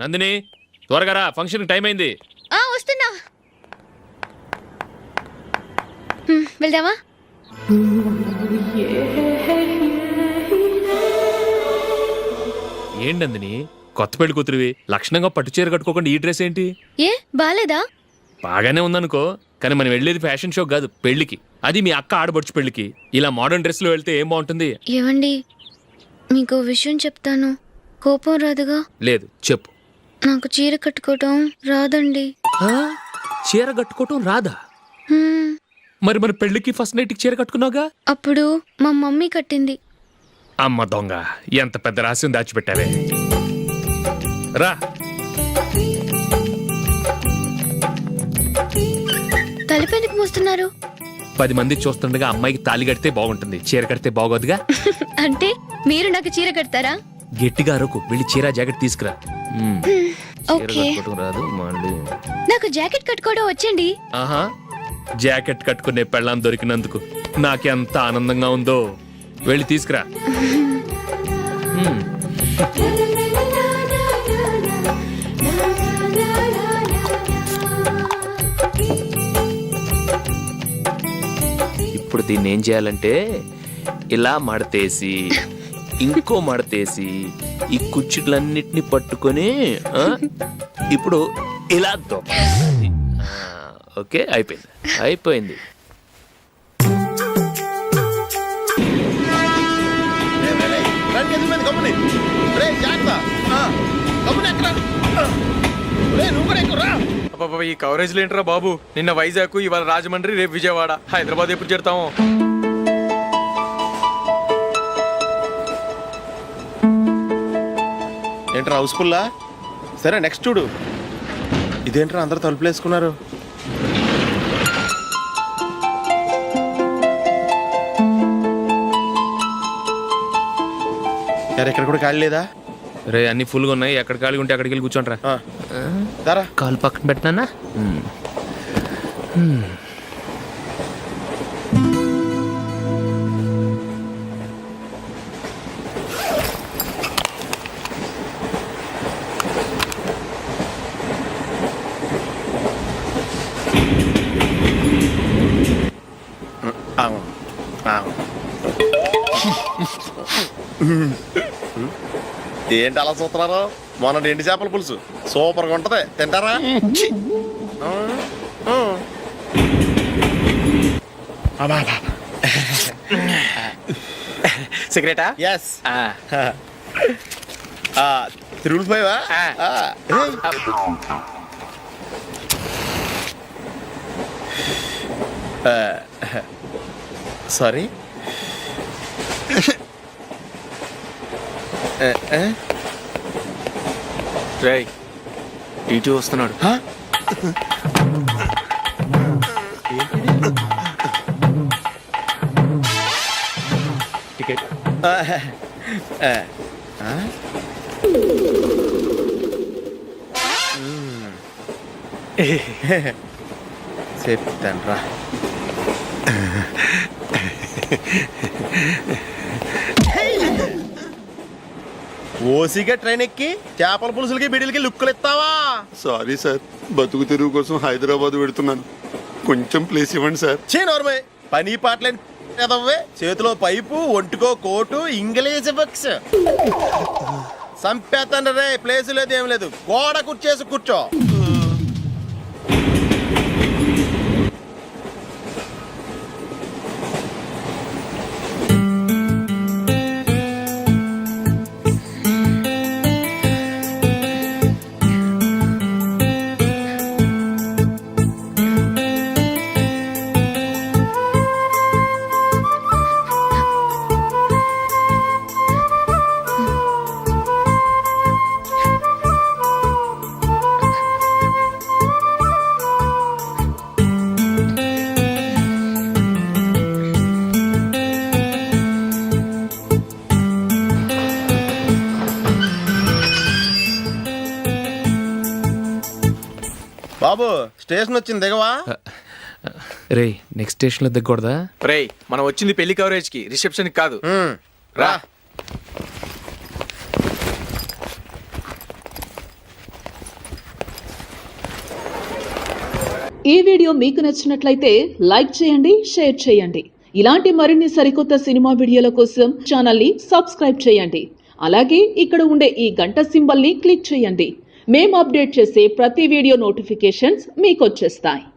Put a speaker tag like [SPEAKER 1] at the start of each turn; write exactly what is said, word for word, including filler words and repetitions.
[SPEAKER 1] నందిని త్వరగా రా, function time అయింది.
[SPEAKER 2] ఆ వస్తున్నా. హ్మ్, వెళ్దామా?
[SPEAKER 1] ఏంటి నందిని, కొత్త పెళ్లి కూతురివి లక్షణంగా పట్టు చీర కట్టుకోకుండా ఈ డ్రెస్ ఏంటి?
[SPEAKER 2] ఏ బాలేదా?
[SPEAKER 1] బాగానే ఉందనుకో, కానీ మనం వెళ్ళేది ఫ్యాషన్ షో కాదు, పెళ్లికి. అది మీ అక్క ఆడబడుచు పెళ్లికి. ఇలా మోడర్న్ డ్రెస్ లో వెళ్తే ఏం బాగుంటుంది?
[SPEAKER 2] ఏవండి, మీకు విషయం చెప్తాను, కోపం రాదుగా?
[SPEAKER 1] లేదు, చెప్పు.
[SPEAKER 2] నాకు చీర కట్టుకోవటం రాదండి.
[SPEAKER 1] ఆ? చీర కట్టుకోవటం రాదా?
[SPEAKER 2] హ్మ్,
[SPEAKER 1] మరి మన పెళ్లికి ఫస్ట్ నైట్ చీర కట్టుకున్నావుగా?
[SPEAKER 2] అప్పుడు మా మమ్మీ కట్టింది.
[SPEAKER 1] అమ్మ దొంగ, ఎంత పెద్ద రహస్యం దాచిపెట్టావే. రా.
[SPEAKER 2] తలపెందుకు మోస్తున్నారు?
[SPEAKER 1] పది మంది చూస్తుండగా అమ్మాయికి తాళి కడితే బాగుంటుంది, చీర కడితే బాగోదుగా.
[SPEAKER 2] అంటే మీరు నాకు చీర కడతారా?
[SPEAKER 1] గట్టిగా అరకు, వెళ్ళి చీర జాకెట్ తీసుకురా. మ్మ్. చీర
[SPEAKER 2] ఓకే.
[SPEAKER 1] కట్టుకోవటం రాదు మళ్ళీ.
[SPEAKER 2] నాకు జాకెట్ కట్టుకోవడం వచ్చండి.
[SPEAKER 1] ఆహా, జాకెట్ కట్టుకునే పెళ్ళాం దొరికినందుకు నాకెంత ఆనందంగా ఉందో. వెళ్ళి తీసుకురా. మ్మ్. ఇప్పుడు దీన్ని ఏం చేయాలంటే ఇలా మడతేసి ఇంకో మడతేసి ఈ కుర్చీలన్నిటిని పట్టుకొని ఆ, ఇప్పుడు ఇలా దొక్కాలి. ఆ, ఓకే, అయిపోయింది అయిపోయింది.
[SPEAKER 3] ఈ కవరేజ్ ఏంట్రా బాబు? నిన్న వైజాగ్, ఇవాళ రాజమండ్రి, రేపు విజయవాడ, హైదరాబాద్ ఎప్పుడు చేరుతాము?
[SPEAKER 4] ఏంట్రా హౌస్ఫుల్లా? సరే నెక్స్ట్ చూడు. ఇదేంట్రా అందరూ తలుపులు వేసుకున్నారు? ఇక్కడ కూడా ఖాళీ లేదా?
[SPEAKER 1] రే, అన్ని ఫుల్గా ఉన్నాయి, ఎక్కడ ఖాళీ ఉంటే అక్కడికి వెళ్ళి కూర్చోండి రా.
[SPEAKER 4] దారా
[SPEAKER 1] కాలు పక్కన పెట్టినా.
[SPEAKER 4] ఏంటి అలా చూస్తున్నారు? మొన్న ఎండి చేపల పులుసు సూపర్గా ఉంటది, తింటారా?
[SPEAKER 3] సిగరెటా?
[SPEAKER 4] ఎస్. Triple five. సారీ.
[SPEAKER 3] రేయ్, టీటీ వస్తున్నాడు. టికెట్.
[SPEAKER 4] చెప్తాను రా. ఓసిగా ట్రైన్ ఎక్కి చేపల పులుసులకి బిడిలకి లుక్కులు ఇస్తావా?
[SPEAKER 5] సారీ సార్, బతుకు తెరువు కోసం హైదరాబాద్ పెడుతున్నాను, కొంచెం ప్లేస్ ఇవ్వండి సార్.
[SPEAKER 4] చే నోర్మే, పని పాటలేని ఎదవ్వే. చేతిలో పైపు, ఒంటికో కోటు, ఇంగ్లీష్ బుక్స్. సంపేతండ్రి రే, ప్లేస్ లేదు ఏం లేదు, గోడ కుర్చేసి కూర్చో. బాబు, స్టేషన్ వచ్చింది, దిగవా?
[SPEAKER 1] రే, నెక్స్ట్ స్టేషన్ లో దిగకూడదా?
[SPEAKER 3] రేయ్, మనం వచ్చింది పెళ్లి కవరేజ్ కి, రిసెప్షన్ కి కాదు. రా.
[SPEAKER 6] ఈ వీడియో మీకు నచ్చినట్లయితే లైక్ చేయండి, షేర్ చేయండి. ఇలాంటి మరిన్ని సరికొత్త సినిమా వీడియోల కోసం ఛానల్ని సబ్స్క్రైబ్ చేయండి. అలాగే ఇక్కడ ఉండే ఈ గంట సింబల్ని క్లిక్ చేయండి. మేము అప్డేట్ చేసే ప్రతి వీడియో నోటిఫికేషన్స్ మీకు వచ్చేస్తాయి.